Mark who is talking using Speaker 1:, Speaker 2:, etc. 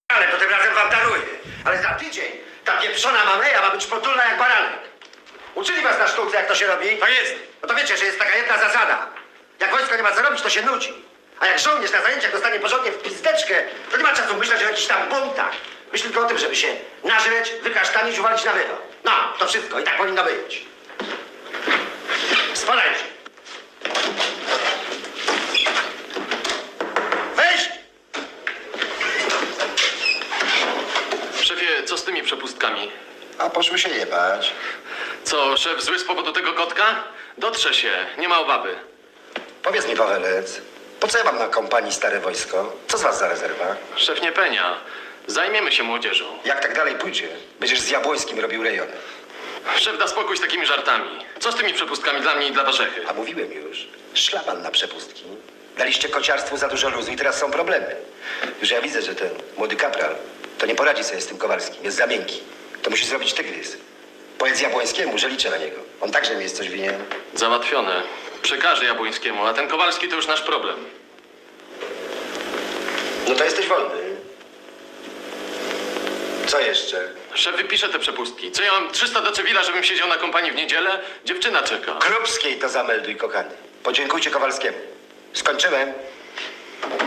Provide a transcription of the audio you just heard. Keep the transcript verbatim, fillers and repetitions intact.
Speaker 1: Ale to tym razem wam daruję. Ale za tydzień ta pieprzona mameja ma być potulna jak baranek. Uczyli was na sztuce, jak to się robi?
Speaker 2: Tak jest.
Speaker 1: No to wiecie, że jest taka jedna zasada. Jak wojsko nie ma co robić, to się nudzi. A jak żołnierz na zajęciach dostanie porządnie w pizdeczkę, to nie ma czasu myśleć o jakichś tam buntach. Myśl tylko o tym, żeby się nażreć, wykasztanić, uwalić na wyrok. No, to wszystko i tak powinno być. Spadajcie. Wejść!
Speaker 2: Szefie, co z tymi przepustkami?
Speaker 1: A poszły się jebać.
Speaker 2: Co, szef zły z powodu tego kotka? Dotrze się, nie ma obawy.
Speaker 1: Powiedz mi, Pawelec, po co ja mam na kompanii stare wojsko? Co z was za rezerwa?
Speaker 2: Szef nie penia. Zajmiemy się młodzieżą.
Speaker 1: Jak tak dalej pójdzie, będziesz z Jabłońskim robił rejony.
Speaker 2: Szef da spokój z takimi żartami. Co z tymi przepustkami dla mnie i dla Warzechy?
Speaker 1: A mówiłem już, szlaban na przepustki. Daliście kociarstwu za dużo luzu i teraz są problemy. Już ja widzę, że ten młody kapral to nie poradzi sobie z tym Kowalskim, jest za miękki. To musi zrobić tygrys. Powiedz Jabłońskiemu, że liczę na niego. On także mi jest coś winien.
Speaker 2: Załatwione. Przekażę Jabłońskiemu, a ten Kowalski to już nasz problem.
Speaker 1: No to jesteś wolny. Co jeszcze?
Speaker 2: Szef wypisze te przepustki. Co ja mam trzysta do Cewila, żebym siedział na kompanii w niedzielę? Dziewczyna czeka.
Speaker 1: Krupskiej to zamelduj, kochany. Podziękujcie Kowalskiemu. Skończyłem.